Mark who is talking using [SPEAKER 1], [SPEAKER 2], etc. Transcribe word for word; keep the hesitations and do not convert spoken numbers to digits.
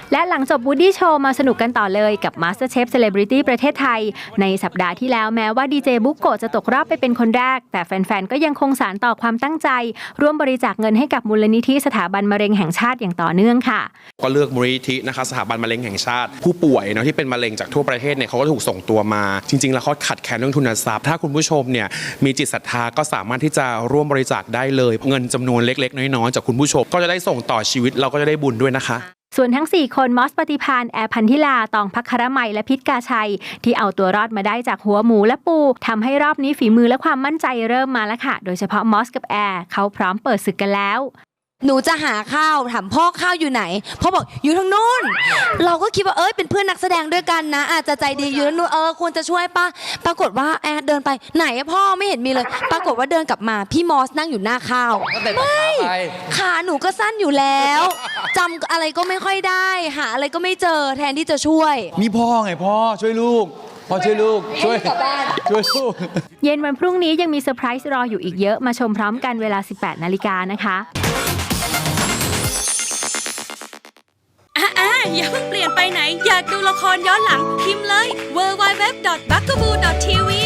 [SPEAKER 1] และหลังจบ Woody Show มาสนุกกันต่อเลยกับ MasterChef Celebrity ประเทศไทยในสัปดาห์ที่แล้วแม้ว่าดีเจบุโกะจะตกรอบไปเป็นคนแรกแต่แฟนๆก็ยังคงสานต่อความตั้งใจร่วมบริจาคเงินให้กับมูลนิธิสถาบันมะเร็งแห่งชาติอย่างต่อเนื่องค่ะ
[SPEAKER 2] ก็เลือกมูลนิธินะคะสถาบันมะเร็งแห่งชาติผู้ป่วยเนาะที่เป็นมะเร็งจากทั่วประเทศเนี่ยเขาก็ถูกส่งตัวมาจริงๆแล้วเขาขัดแคลนเรื่องทุนทรัพย์ถ้าคุณผู้ชมเนี่ยมีจิตศรัทธาก็สามารถที่จะร่วมบริจาคได้เลยเงินจำนวนเล็กๆน้อยๆจากคุณผู้ชมก็จะได้ส่งต่อชีวิตเราก็จะได้บุญด้วยนะคะ
[SPEAKER 1] ส่วนทั้งสี่คนมอสปฏิพานแอร์พันธิลาตองภัครมัยและพิษกาชัยที่เอาตัวรอดมาได้จากหัวหมูและปูทำให้รอบนี้ฝีมือและความมั่นใจเริ่มมาแล้วค่ะโดยเฉพาะมอสกับแอร์เขาพร้อมเปิดศึกกันแล้ว
[SPEAKER 3] หนูจะหาข้าวถามพ่อข้าวอยู่ไหนพ่อบอกอยู่ทางนู้นเราก็คิดว่าเอ้ยเป็นเพื่อนนักแสดงด้วยกันนะอาจจะใจดีอยู่ทางนู้นเออควรจะช่วยป่ะปรากฏว่าแอร์เดินไปไหนพ่อไม่เห็นมีเลยปรากฏว่าเดินกลับมาพี่มอสนั่งอยู่หน้าข้าวไม่ขาหนูก็สั้นอยู่แล้วจำอะไรก็ไม่ค่อยได้หาอะไรก็ไม่เจอแทนที่จะช่วย
[SPEAKER 4] นี่พ่อไงพ่อช่วยลูกพ่อช่วยลูกช่วยช่วยลูก
[SPEAKER 1] เย็นวันพรุ่งนี้ยังมีเซอร์ไพรส์รออยู่อีกเยอะมาชมพร้อมกันเวลา สิบแปดนาฬิกานะคะ
[SPEAKER 5] อ่าอย่าเพิ่งเปลี่ยนไปไหนอยากดูละครย้อนหลังพิมพ์เลย ดับเบิลยู ดับเบิลยู ดับเบิลยู ดอท บักกะบู ดอท ที วี